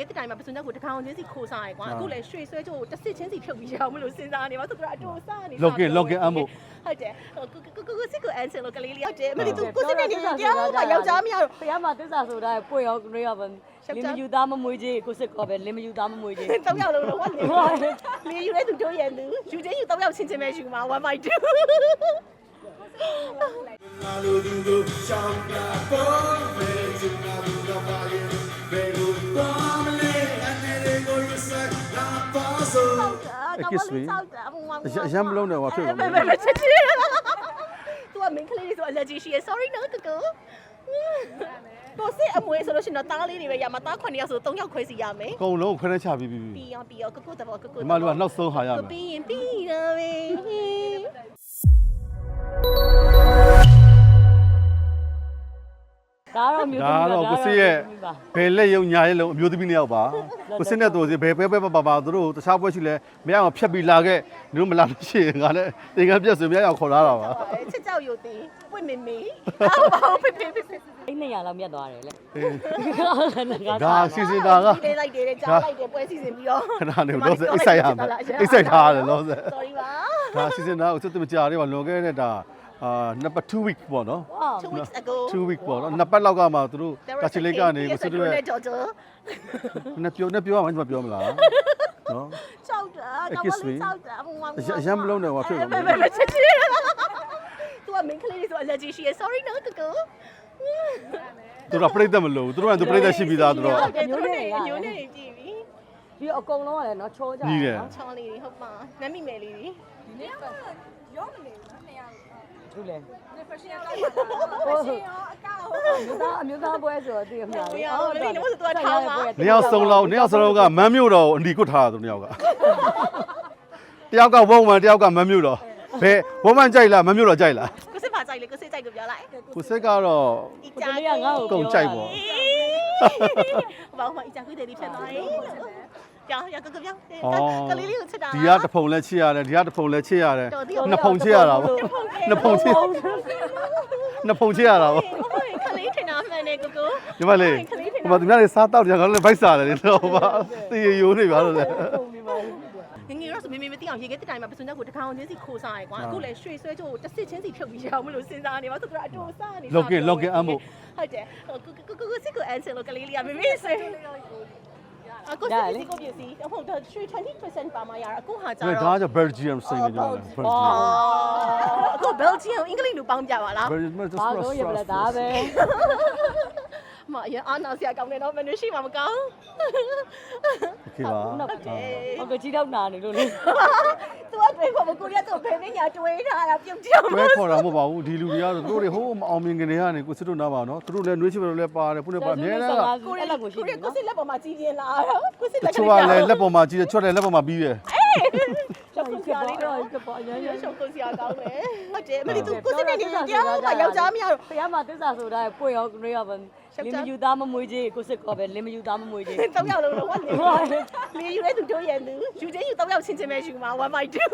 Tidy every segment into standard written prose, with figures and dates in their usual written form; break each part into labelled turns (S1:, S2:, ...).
S1: ခဲ့တဲ့တိုင်မှာပစွန်ချက်ကိုတကောင်ချင်းစီခိုးစားရကွာအခုလည်းရွှေဆွဲချိုးတစ်စစ်ချင်းစီဖြုတ်ပြီးရအောင်မလို့စဉ်းစားနေပါဆိုတော့အတူစားနေ
S2: login အမှု
S1: ဟုတ်တယ်ကိုစစ်ကိုအန်ဆယ်လို့ကလေးလေးဟုတ်တယ်မလို့ကိုစစ်နေနေတရားမှယောက်ျားမရတော့
S3: ဖះမှာသစ္စာဆိုတာပွင့်ရောကလေးရောပဲလင်းမယူသားမမွေးကြီးကိုစစ်ကောပဲလင်းမယူသားမမွေးကြီး
S1: 3ယောက်လုံးတော့ဝတ်နေလေယူရဲသူတို့ရန်သူယူချင်းယူ3ယောက်ချင်းချင်းပဲယူမှာ1/2
S2: ရမ်းမလုံးနဲ့ဟောဖြစ်
S1: သူကမင်းကလေးတွေဆို allergy ရှိရ sorry နော်ကိုကိုစစ်အမွေးဆိုလို့ရှိရင်တော့တားလေးတွေပဲရမှာတား9ယောက်ဆို3ယောက်ခွဲစီရမယ်
S2: အကုန်လုံးခွဲနှချပြီး
S1: ပြီးရောကိုတဘောကို
S2: ဒီမှာလူကနောက်ဆုံးဟာရမယ်
S1: ပြီးရင်ပြီးတော့ပဲ
S3: ဒါတော့မျိုး
S2: ဒါတော့ကိုစစ်ရဲ့ဘယ်လက်ယုံညာရဲ့လုံးအမျိုးသမီးနှစ်ယောက်ပါကိုစစ်နဲ့တူစီဘယ်ပဲပါသူတို့တခြားပွဲရှိလဲမရအောင်ဖြတ်ပြီးလာခဲ့ဒီလိုမလာလို့ရှိရင်ငါလည်းတင်ကန်းပြက်ဆိုမရအောင်ခေါ်လာတာပါ
S1: ချစ်ကြောက်ရုပ်သေးပွင့်မေအော်ဘာဖေဖေ
S3: အဲ့200လောက်မြတ်သွားတယ်လေ
S2: ဒါစီစဉ်တာက
S1: လေးလိုက်တယ်ကြားလိုက်တယ်ပွဲစီစဉ်ပြီးတော့
S2: ခဏနေတော့အိတ်ဆိုင်ရမယ်အိတ်ဆိုင်ထားရတယ်လို့ဆို
S1: sorry ပါ
S2: ဒါစီစဉ်တာကိုသူမကြရပါလွန်ခဲ့တဲ့ဒါnumber 2 week ပေါ့နော်
S1: 2 weeks ago
S2: 2 week ပေါ့နော်နှစ်ပတ်လောက်ကမှသူတို့ကချီလေးကနေကိုစစ်တို့ရဲ့နှစ်ပြောရမှဒီမှာပြောမလားနော်
S1: ချောက်တာကောင်းလေးချောက်တာဘုံမှာ
S2: ရမ်းမလုံးနဲ့ဟောဖြစ်
S1: ချစ်သူကမင်းကလေးတွေဆို allergy ရှိရ sorry နော်ကို
S2: သူတို့ပြိတ္တမလို့သူတို့ကသူပြိတ္တရှိပြီးသားသူတို့
S1: မျိုးနဲ့ကြည့်ပြီ
S3: ပြီးတော့အကုန်လုံးကလည်းနော်ချောကြ
S2: ကြီးတယ်
S1: ချောင်းလေးတွေဟုတ်ပါနမ်းမိမယ်လေးတွေ
S4: ရောမနေဘူးနော်နှစ်ယောက်
S3: ဘူးလေ
S4: fashion ရောကောက်ပါလား fashion ရောအကောက်
S3: အမျိုးသားပွဲဆိုတော့တည်ရမှာလေ
S2: နှစ်ယောက်စုံလောက်ကမန်းမြို့တော်ကိုအနီကွတ်ထားတာသူနှစ်ယောက်ကတယောက်ကဝုံမန်တယောက်ကမန်းမြို့တော်ဘယ်ဝုံမန်ကြိုက်လားမန်းမြို့တော်ကြိုက်လား
S1: ကိုစစ်ပါကြိုက်လေကိုစစ်ကြိုက်ကိုပြောလိုက်
S2: ကိုစစ်ကတော့
S3: ကိုတလေးကငါ့ကို
S2: ကုန်ကြိုက်ပေါ့
S1: ဘာမှအကြကွေးတယ်ဒီဖြစ်သွားတယ်ကြောင်ရကပြောကလေးလေးကိုချစ်တာ
S2: ဒီကတဖုံလဲချစ်ရတယ်ဒီကတဖုံလဲချစ်ရတယ်နှစ်ဖုံချစ်ရတာပေါ့နှစ်ဖုံချစ်ရတာပေါ့
S1: ကလေးထင်တာမှန်တယ်ကို
S2: ဒီမလေးဟိုမှာသူများတွေစားတောက်ကြတယ်ငါတို့လည်းဗိုက်စားတယ်လေတော့ပါတည်ရိုးနေပါလို့လေ
S1: ငငယ်တော့ဆိုမေမသိအောင်ရေခဲတဲ့တိုင်မှာပစွန်ချက်ကိုတကောင်ချင်းစီခိုးစားရကွာအခုလည်းရွှေဆွဲချိုးတစ်စစ်ချင်းစီဖြုတ်ပြီးရအောင်မလို့စဉ်းစားနေပါဆိုတော့အတူစားနေ
S2: login အမှု
S1: ဟုတ်တယ်ကိုစစ်ကိုအန်ဆယ်လို့ကလေးလေးကမေဆွဲအခုစစ်စီကိုပြစီဟုတ်တယ်20% ပါမရအခုဟာကြ
S2: ဒါ
S1: တော့
S2: က Belgium စိတ်နေကြတယ်
S1: အခု Belgium အင်္ဂလိပ်လိုပေါင်းပြပါလား
S2: Belgium
S3: ဘာလို့ရပလဲဒါပဲ
S1: မအရင်အာနာဆရာကောင်းတယ်နော်မင်းရှိမှမကောင်း
S2: Okay ပါ
S3: ဟုတ်ကဲ့ကြီးတော့နာနေလို့လေ
S1: သူကတွေးဖို့မကိုရတော့ဘယ်နဲ့ညာတွေးထားတာပြုတ်ပြောင်း
S2: တွဲခေါ်တာမဟုတ်ပါဘူးဒီလူတွေကတော့သူတို့တွေဟိုးမအောင်မြင်ကနေကနေကိုစစ်တို့နားပါနော်သူတို့လည်းနှွေးချင်တယ်လည်းပါတယ်ဖုန်းနဲ့ပါအများနဲ့က
S1: ကိုရကိုရှိတယ်ကိုစစ်လက်ပေါ်မှာကြီးပြင်းလာတော့ကိုစစ်လက်
S2: ချိုးကလည်းလက်ပေါ်မှာကြီးတယ်ချွတ်တယ်လက်ပေါ်မှာပြီးတယ်
S1: ရှောက်ကိုဆရာလေးတော့ရှောက်ကိုဆရာကောင်းတယ်ဟုတ်တယ်မလီသူကိုစစ်နေနေတရားမှယောက်ျားမရတော့
S3: ဖះမှာသစ္စာဆိုတာပွင့်ရောကလေးရောပဲလင်းမယူသားမမွေးကြီးကိုစစ်ကောပဲလင်းမယူသားမမွေးကြီး
S1: 3ယောက်လုံးတော့ဝတ်နေလေယူရဲသူတို့ရန်သူယူချင်းယူ3ယောက်ချင်းချင်းပဲယူမှာ1/2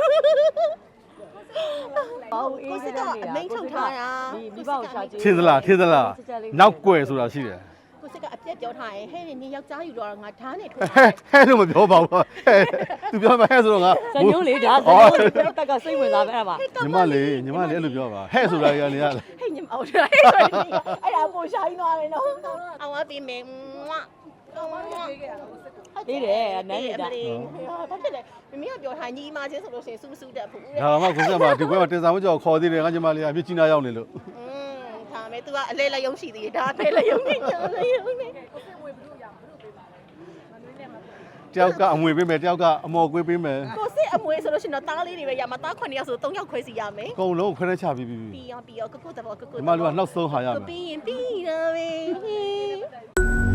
S1: ကိုစစ်ကအမိန်ထုတ်ထားတာ
S3: မိဘကိုရှာကြည့်
S2: ထင်သလားနောက်ကွယ်ဆိုတာရှိတယ်
S1: ကိုစစ်ကအပြက်ပြောထားရင်ဟဲ့နေယောက်ျားယူတော့ငါဓာတ်နဲ့ထိုး
S2: ဟဲလို့မပြောပါဘူးဟဲသူပြောမှဟဲဆိုတော့ငါ
S3: ဇညုံးလေဒါဇညုံးလေတက်ကစိတ်ဝင်စားပဲအဲ့မှာ
S2: ညီမလေးအဲ့လိုပြောပါဟဲဆိုတာကြီးကနေရလား
S1: ဟဲ့ညမအောင်တယ်အဲ့ဒါပိုရှိုင်းသွားတယ်နော်အောင်ပါပြီမေမွာ
S3: အေးတယ်နန်းနေတာ
S1: ဘာဖြစ်လဲမမကပြောထားညီမချင်းဆိုလို့ရှိရင်စူးစူးတက်ဖို့
S2: ဒါမှကိုစက်မှာဒီကွဲမှာတင်ဆောင်ကြောက်ခေါ်သေးတယ်ငါညီမလေးအပြစ်ကြီးနာရောက်နေလို့
S1: ဒါမဲ့ तू ကအလဲလက်ယုံရှိသေးတယ်ဒါပဲလက်ယုံနေညာလက်ယုံနေ
S2: တယောက်ကအမွေပေးမယ်တယောက်ကအမော်ကွေးပေးမယ်
S1: ကိုစစ်အမွေးဆိုလို့ရှိရင်တော့တားလေးတွေပဲရမှာတား9ယောက်ဆို3ယောက်ခွဲစီရမယ်
S2: အကုန်လုံးခွဲနှချပြီး
S1: ပြီးရောကိုတဘောကို
S2: ဒီမှာလူကနောက်ဆုံးဟာရမယ်
S1: ပြီးရင်ပြီးတော့ပဲ